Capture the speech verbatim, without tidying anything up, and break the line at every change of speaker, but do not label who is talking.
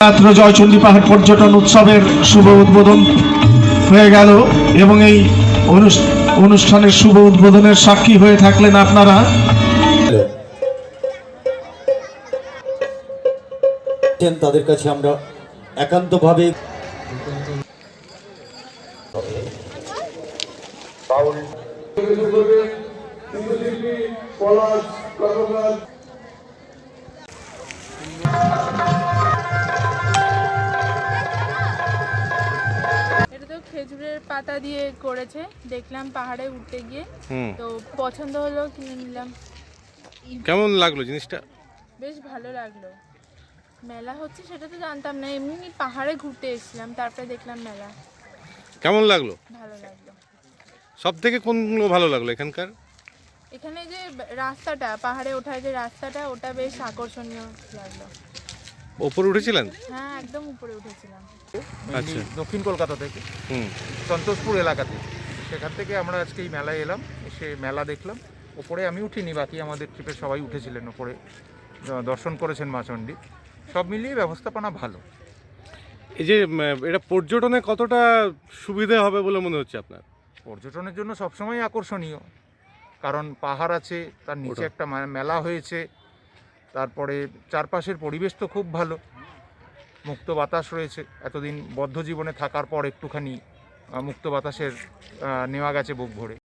মাত্র জয়চণ্ডী পাহাড় পর্যটন উৎসবের শুভ উদ্বোধন হয়ে গেল এবং এই অনুষ্ঠানের শুভ উদ্বোধনের সাক্ষী হয়ে থাকলেন আপনারা।
তাদের কাছে আমরা একান্তভাবে
খেজুরের পাতা দিয়ে করেছে, দেখলাম পাহাড়ে উঠতে গিয়ে, তো পছন্দ হলো, কিনে নিলাম।
কেমন লাগলো জিনিসটা?
বেশ ভালো লাগলো। মেলা হচ্ছে সেটা তো জানতাম না, এমনি পাহাড়ে ঘুরতে এসেছিলাম, তারপরে দেখলাম মেলা।
কেমন লাগলো?
ভালো লাগলো।
সব থেকে কোনগুলো ভালো লাগলো এখানকার?
এখানে যে রাস্তাটা, পাহাড়ে ওঠার যে রাস্তাটা, ওটা বেশ আকর্ষণীয় লাগলো।
উপরে উঠেছিলেন?
হ্যাঁ, একদম উপরে উঠেছিলাম।
আচ্ছা,
দক্ষিণ কলকাতা থেকে, হুম সন্তোষপুর এলাকাতে, সেখান থেকে আমরা আজকে এই মেলায় এলাম, এসে মেলা দেখলাম। ওপরে আমি উঠিনি, বাকি আমাদের ট্রিপের সবাই উঠেছিলেন, ওপরে দর্শন করেছেন মা চণ্ডী। সব মিলিয়ে ব্যবস্থাপনা ভালো।
এই যে এটা পর্যটনে কতটা সুবিধা হবে বলে মনে হচ্ছে আপনার?
পর্যটনের জন্য সবসময় আকর্ষণীয়, কারণ পাহাড় আছে, তার নিচে একটা মেলা হয়েছে, তারপরে চারপাশের পরিবেশ তো খুব ভালো, মুক্ত বাতাস রয়েছে। এতদিন বদ্ধ জীবনে থাকার পর একটুখানি মুক্ত বাতাসের নেওয়া গেছে বুক ভরে।